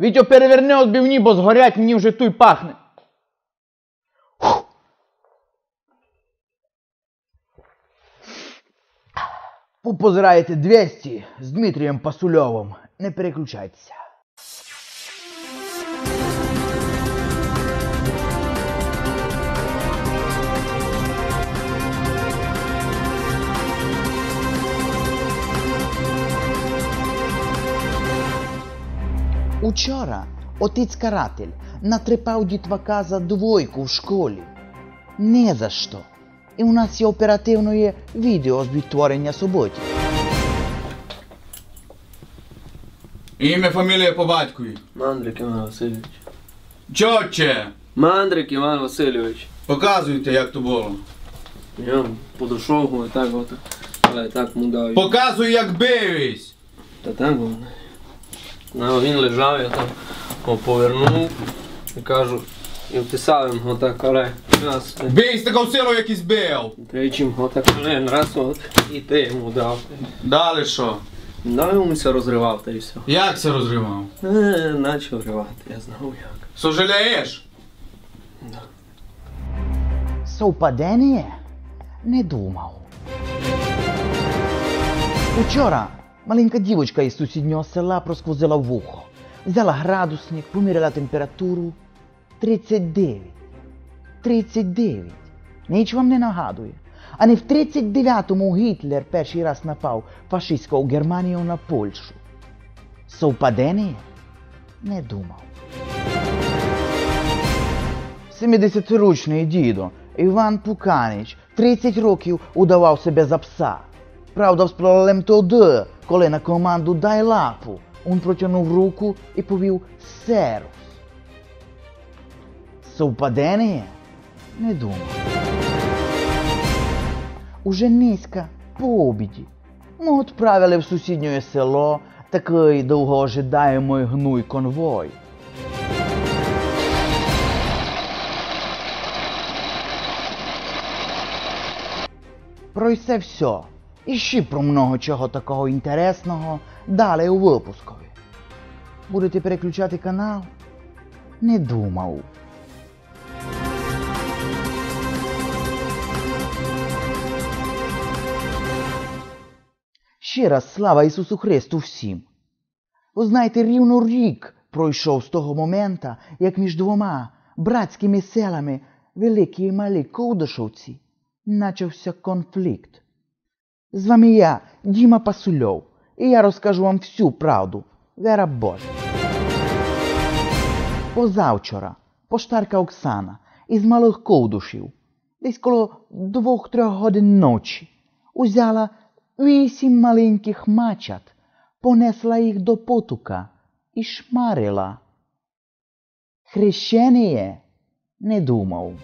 Вітьо, переверни отбивні, бо згорять, мені вже туй пахне. Ви позираєте 200 з Дмитрієм Пасульовим. Не переключайтеся. Учора отець-каратель натрепав дітвака за 2 в школі. Не за що. І у нас є оперативне відео з відтворення суботи. Ім'я, фамілія по батькові. Мандрик Іван Васильович. Чотче! Мандрик Іван Васильович. Показуйте, як то було. Я подошов, і так от, але так му дав. Показуй, як бивись! Та так воно. Ну, він лежав, я там повернув і кажу, і вписав йому отак, але раз. Бий з такою силою, як і збив! Тричим отак, раз от, і ти йому дав. Далі що? Дав йому все розривав, та й все. Як це розривав? Начав ривати, я знав як. Сожалієш? Да. Совпадення? Не думав. Учора маленька дівочка із сусіднього села просквозила вухо. Взяла градусник, поміряла температуру. 39. 39. Ніч вам не нагадує. А не в 39-му Гітлер перший раз напав фашистською Германією на Польщу. Совпадення? Не думав. 70-річний дідо Іван Пуканич 30 років удавав себе за пса. Правда, з проблем тоді, коли на команду «дай лапу» він протягнув руку і повів «серус». Совпадення? Не думав. Уже низько, по обіді, ми відправили в сусіднє село такий довгоожидаємий гнуй конвой. Про це все. І ще про много чого такого інтересного далі у випускові. Будете переключати канал? Не думав. Ще раз слава Ісусу Христу всім. Ви знаєте, рівно рік пройшов з того моменту, як між 2 братськими селами Великі і Малі Ковдашовці почався конфлікт. З вами я, Діма Пасульов, і я розкажу вам всю правду, вера Божа. Позавчора поштарка Оксана із Малих Ковдушів, десь коло 2-3 годин ночі, узяла 8 маленьких мачат, понесла їх до потока і шмарила. Хрещеніє? Не думав.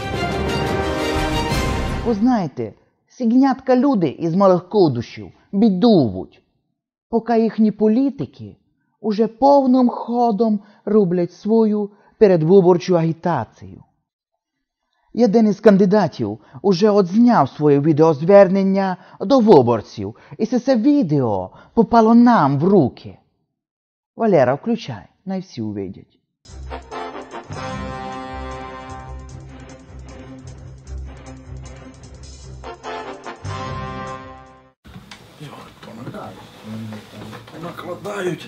Ви знаєте, сігнятка люди із Малих Ковдушів бідують, поки їхні політики уже повним ходом роблять свою передвиборчу агітацію. Один із кандидатів уже одзняв своє відеозвернення до виборців, і це відео попало нам в руки. Валера, включай, най всі увидять. Накладають.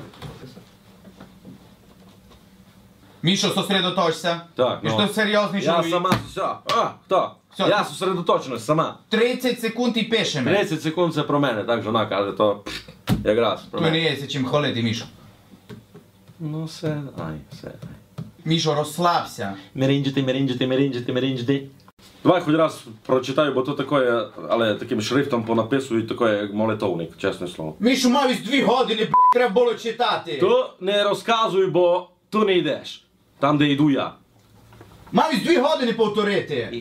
Мішо, сосредоточся. Так, І ну. що серйозний Я чоловік. сама, все. Хто? Все. Я сосредоточеність сама. 30 секунд і пишемо. 30 секунд це про мене, так жона каже, то якраз про То не мене. є чим хвалити, Мішо. Ну все, все. Мішо, розслабся. Меринджити. Давай хоч раз прочитаю, бо то таке, але таким шрифтом понаписують таке, як молитовник, чесне слово. Мішо, мав 2 години, блядь, треба було читати. То не розказуй, бо ту не йдеш. Там, де йду я. Мав 2 години повторити.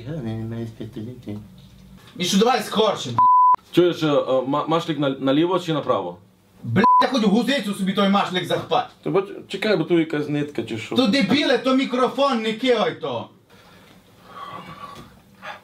Мішо, давай скорше, блядь. Чуєш, машлик наліво чи направо? Блядь, та хоч в гузицю собі той машлик захпать. Та бо чекай, бо тут якась нитка чи що. То дебіле, то мікрофон, не кигай то.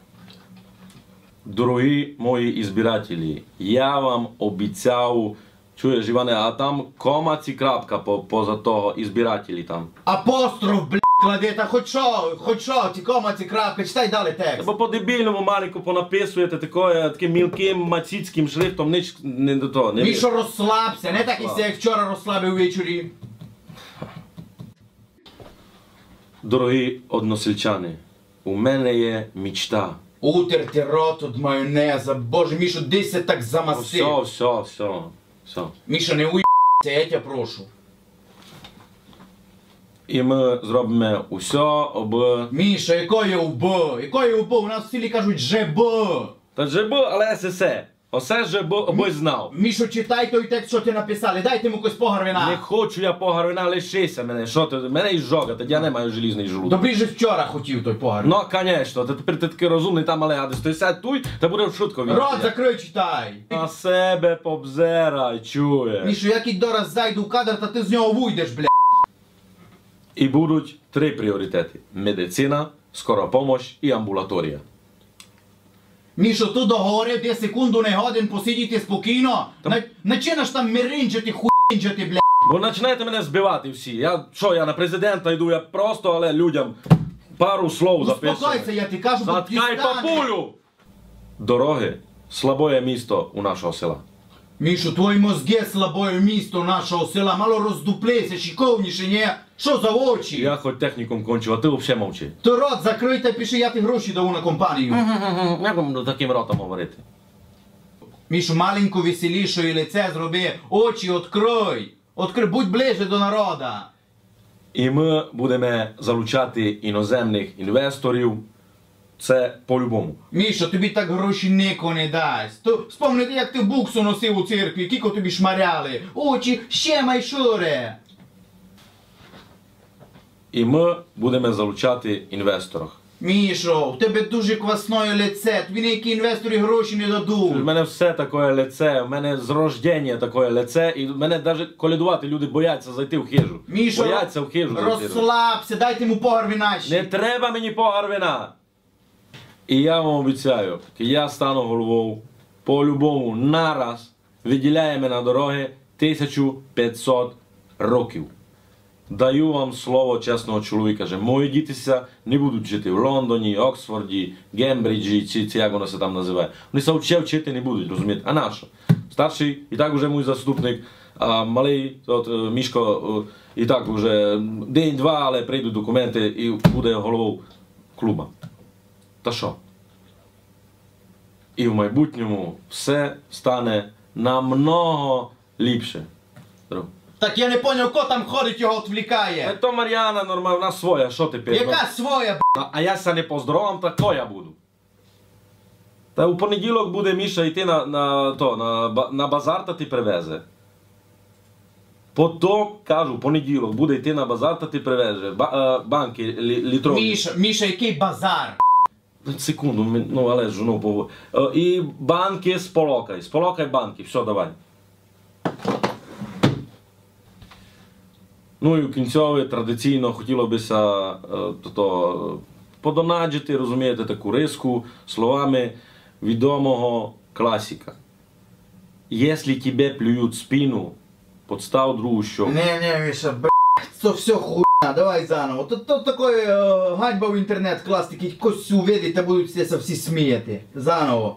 Дорогі мої ізбирателі, я вам обіцяв Чуєш, Іване, а там кома ці крапка поза того, і збирателі там. Апостроф, блядь, клади, та хоч що, ті кома, ці крапки, читай далі текст. Бо по-дебільному маленько понаписуєте таким мілким мацицьким шрифтом, ніч не до того. Не Мішо, розслабся, не так і як вчора розслабив ввечері. Дорогі односельчани, у мене є мічта. Утерти рот від майонеза, боже, Мішо, десь я так замастив. Все. Мішо, не уїбся, я тебе прошу. І ми зробимо усе, аби... Міша, якої УБ? Якої УБ? У нас в селі кажуть ЖБ. Та ЖБ, але ССЕ. Осе ЖБ, аби знав. Мішо, читай той текст, що ти написали. Дайте йому якось погарвина. Не хочу я погарвина, лишися мене. Що ти? Мене і жога, тоді я не маю желізний желудок. Добрі же вчора хотів той погарвин. Ну, конечно, тепер ти такий розумний там, але гадиш, ти сядь туй, та буде в шутку. Рот закрий, читай. На себе побзерай, чуєш. Мішо, як і дораз зайду в кадр, та ти з нього вийдеш, блядь. І будуть 3 пріоритети. Медицина, скора помощь і амбулаторія. Мішо, tu договорив, де секунду не годин посидіти спокійно. Начинаш там миринджати, хуїнджати, блядь. Бо починаєте мене збивати всі. Я на президента йду, я просто, але людям пару слов записую. Успокойся, я ти кажу, бо ти Заткай стане. папулю! Дороги – слабоє місто у нашого села. Мішо, твої мозги слабое місто нашого села, мало роздуплися, шиковніше, ні? Що за очі? Я хоч технікум кончив, а ти взагалі мовчи. Ти рот закрий та пиши, я ти гроші даю на компанію. Як вам таким ротом говорити? Мішо, маленько веселішої лице зроби, очі відкрий. Відкрий, будь ближче до народа. І ми будемо залучати іноземних інвесторів. Це по-любому. Мішо, тобі так гроші ніко не дасть. Спомнite, як ти буксу носив у церкві, кіко тобі шмаряли. Очі ще майшуре. І ми будемо залучати інвесторів. Мішо, у тебе дуже квасне лице, тобі ніякі інвестори гроші не У дадуть. мене все таке лице, у мене з рождення таке лице, і в мене навіть колядувати люди бояться зайти в хижу. Мішо, Бояться в хижу зайти. розслабся, дайте йому погарві наші. Не треба мені погар вина. І я вам обіцяю, я стану головою, по-любому, нараз виділяємо на дороги 1500 років. Даю вам слово чесного чоловіка, що мої дітися не будуть жити в Лондоні, Оксфорді, Гембриджі, чи як воно се там називає. Вони се вчити не будуть, розумієте? А нащо? Старший, і так вже мій заступник, а малий, Мішко, і так вже день-два, але прийдуть документи і буде головою клуба. Та що? І в майбутньому все стане намного ліпше. Так я не поняв, хто там ходить, його відвлікає. То Мар'яна нормально, вона своя, що тепер? Яка своя, б***? А я ся не поздоровам, так то я буду. Та у понеділок буде Міша йти на базар та ти привезе. Потім, кажу, понеділок буде йти на базар та ти привезе. Банки літрові. Міша, який базар? Секунду, ну але ж, ну, і банки сполокай банки, все, давай. Ну і в кінцьові традиційно хотілося подонаджити, розумієте, таку риску словами відомого класика. Якщо тебе плюють в спину, подстав другу щоку. Не, Міша, це все хуйня, давай заново. Тут такої ганьба в інтернет клас, такий кось увидить та будуть всі сміяти. Заново.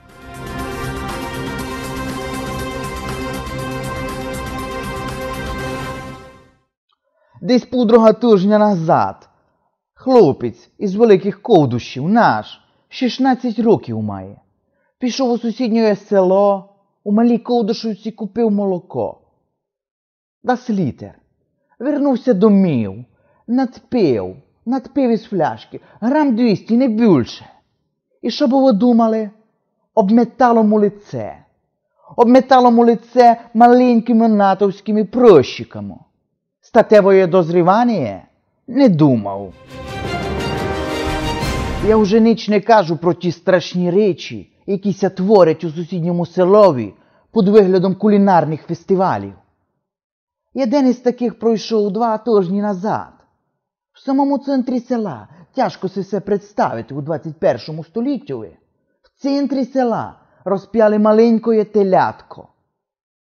Десь півдруга тижня назад хлопець із Великих Ковдущів, наш, 16 років має, пішов у сусіднє село, у Малій Ковдушівці купив молоко. Дас літр. Вернувся домів, надпив із фляшки, грам 200, не більше. І що б ви думали? Обметало му лице. Обметало му лице маленькими натовськими прощиками. Статевое дозрівання? Не думав. Я вже ніч не кажу про ті страшні речі, які ся творять у сусідньому селові під виглядом кулінарних фестивалів. Один із таких пройшов 2 тижні назад. В самому центрі села, тяжко се представити у 21 столітті, в центрі села розп'яли маленькое телятко.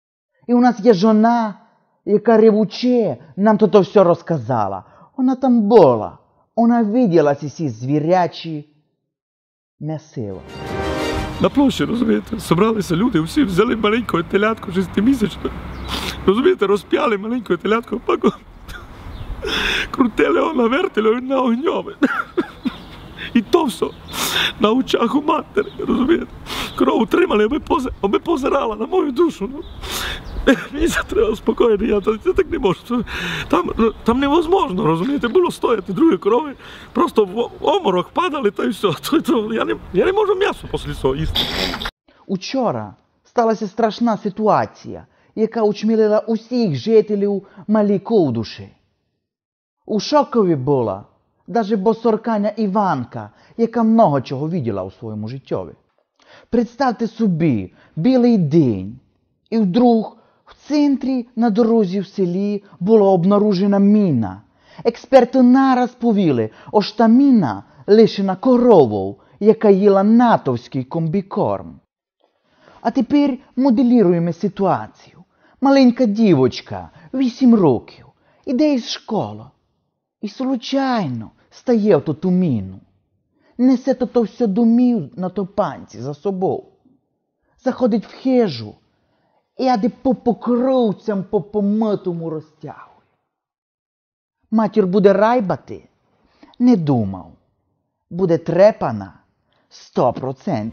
І у нас є жона, яка ревуче нам то все розказала. Вона там була. Вона виділа ці звірячі м'ясила. На площі, розумієте, зібралися люди, всі взяли маленького телятку 6-місячного. Розумієте, розп'яли маленького телятку, паку. Крутили його на вертелю і на огньові. І то все на очах у матері, розумієте. Корову тримали, аби позирала на мою душу. Ну. Мені це треба спокійно, я так не можу. Там невозможно, розумієте, було стояти другі корови, просто в оморок падали та й все. Я не можу м'ясо після цього їсти. Учора сталася страшна ситуація, яка учмілила усіх жителів Малій Ковдуші. У шокові була навіть босорканя Іванка, яка много чого виділа у своєму життєві. Представте собі, білий день, і вдруг в центрі на дорозі в селі була обнаружена міна. Експерти нараз повіли, що та міна лишена коровою, яка їла натовський комбікорм. А тепер моделіруємо ситуацію. Маленька дівочка, 8 років, іде із школи. І случайно стає в ту міну. Несе то все домів на топанці за собою. Заходить в хижу і ади по покровцям по помитому розтягує. Матір буде райбати? Не думав. Буде трепана 100%.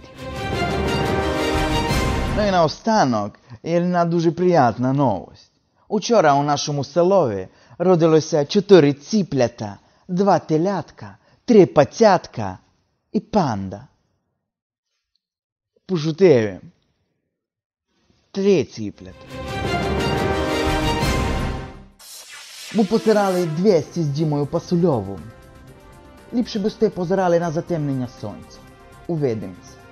Ну і наостанок є одна дуже приємна новость. Учора у нашому селові родилося 4 ціплята, 2 телятка, 3 пацятка і панда. Пошутив. 3 ціплята. Ми позирали 200 з Дімою Пасульовим. Ліпше би сте позирали на затемнення сонця. Увидимося.